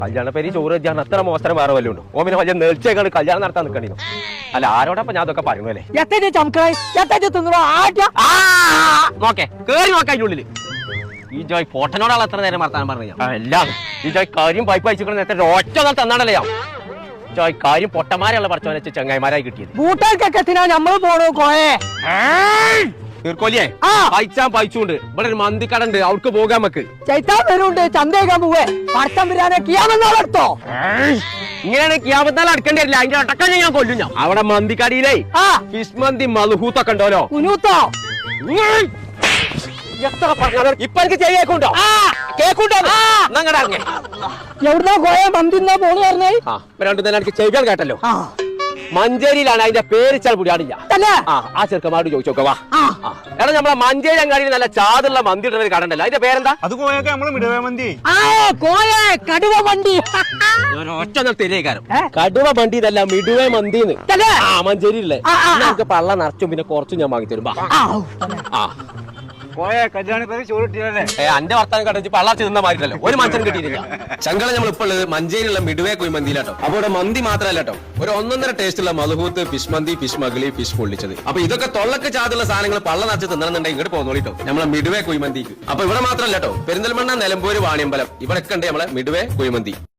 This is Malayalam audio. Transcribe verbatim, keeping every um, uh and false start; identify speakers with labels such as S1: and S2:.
S1: കല്യാണ പേര് ചോറ് വെച്ചാൽ അത്ര മോശം വേറെ വല്ലതും ഉണ്ടോ? ഓമിനെ വലിയ നേർച്ചയൊക്കെ കല്യാണം നടത്താൻ നിൽക്കണോ? അല്ല ആരോടൊപ്പം ഞാൻ അതൊക്കെ പറയുന്നു അല്ലേ? നോക്കേ കേറി നോക്കാം അതിന്റെ ഉള്ളില്. ഈ ജോയ് പൊട്ടനോടാണ് എത്ര നേരം വർത്താനം പറഞ്ഞു? എല്ലാം ഈ ജോയ് കാര്യം പൈപ്പ് അയച്ചിട്ട് നേരത്തെ ഒറ്റ നാൾ തന്നാണല്ലേ ജോയ് കാര്യം പൊട്ടന്മാരെയുള്ള പഠിച്ചവനെ വെച്ച് ചങ്ങായിമാരായി കിട്ടിയത്.
S2: കൂട്ടാർക്കൊക്കെ നമ്മള് പോണോ കോയെ
S1: തീർക്കോലിയേ പൈച്ചാൻ പൈച്ചുണ്ട്. ഇവിടെ ഒരു മന്തിക്കട ഉണ്ട്, അവർക്ക് പോകാൻ നമുക്ക്.
S2: ചൈത്താൻ വരുന്നുണ്ട്, ചന്തേക്കാൻ പോവേ പടത്തം വരാനെ കിയാമെന്നാളെടുത്തോ.
S1: ഇങ്ങനെയാണ് കിയാമത്താൽ അടുക്കേണ്ടി വരില്ല, അതിന്റെ അടക്കം ഞാൻ കൊല്ലും. ഞാൻ അവിടെ മന്തിക്കടിയിലേ ഫിഷ് മന്തി മൽഹൂത്തൊക്കെ ഉണ്ടല്ലോ.
S2: കുനൂത്തോ
S1: എത്ര പറഞ്ഞാലും ഇപ്പൊ എനിക്ക് ചെയ്യേക്കുണ്ടോ? കേക്കുണ്ടോ?
S2: എവിടുന്നോ കോയെ മന്തിന്നാ പോണു പറഞ്ഞേ.
S1: ആ രണ്ടു തന്നെ എനിക്ക് ചെയ്യാൻ കേട്ടല്ലോ. മഞ്ചേരിയിലാണ് അതിന്റെ പേരിച്ചാൽ പുടിയാടില്ല. ആ ചെറുക്കന്മാരോട് ചോദിച്ചോക്കവാ. എടാ നമ്മളെ മഞ്ചേരി അങ്ങാടിയിൽ നല്ല ചാതുള്ള മന്തി ഇടുന്ന ഒരു കടണ്ടല്ലോ, അതിന്റെ പേരെന്താ?
S3: അത് കോയൊക്കെ നമ്മള് മിടുവ മന്തി.
S2: കടുവ മന്തി
S1: ഒറ്റ തെരിയേക്കാരം. കടുവ മന്തി ഇതല്ല, മിടുവ മന്തിന്ന്. ആ മഞ്ചേരിയില്ലേ നമുക്ക് പള്ള നിറച്ചും പിന്നെ കുറച്ചും ഞാൻ വാങ്ങി തരുമ്പോ. ആ എന്റെ വർത്താനം കടച്ച് പള്ളാച്ച് നിന്ന മാറിട്ടല്ലോ ഒരു മനുഷ്യൻ കിട്ടിയില്ല. ചങ്കള നമ്മൾ ഇപ്പോൾ ഉള്ളത് മഞ്ചേരിയുള്ള മിടുവേ കുയി മന്തിയിലാട്ടോ. അപ്പൊ ഇവിടെ മന്തി മാത്രമല്ല കേട്ടോ, ഒരു ഒന്നൊന്നര ടേസ്റ്റ് ഉള്ള മധുഹൂത്ത്, ഫിഷ് മന്തി, ഫിഷ് മകളി, ഫിഷ് പൊള്ളിച്ചത്. അപ്പൊ ഇതൊക്കെ തൊള്ളക്ക് ചാതുള്ള സാധനങ്ങൾ പള്ള നിറച്ച് തിന്നണമെന്നുണ്ടെങ്കിൽ ഇങ്ങോട്ട് പോന്നോളിട്ടോ നമ്മളെ മിടുവേ കുയി മന്തിക്ക്. അപ്പൊ ഇവിടെ മാത്രമല്ല കേട്ടോ, പെരിന്തൽമണ്ണ, നിലമ്പൂര്, വാണിയമ്പലം ഇവിടെയൊക്കെ ഉണ്ട് നമ്മളെ മിടുവേ കുയി മന്തി.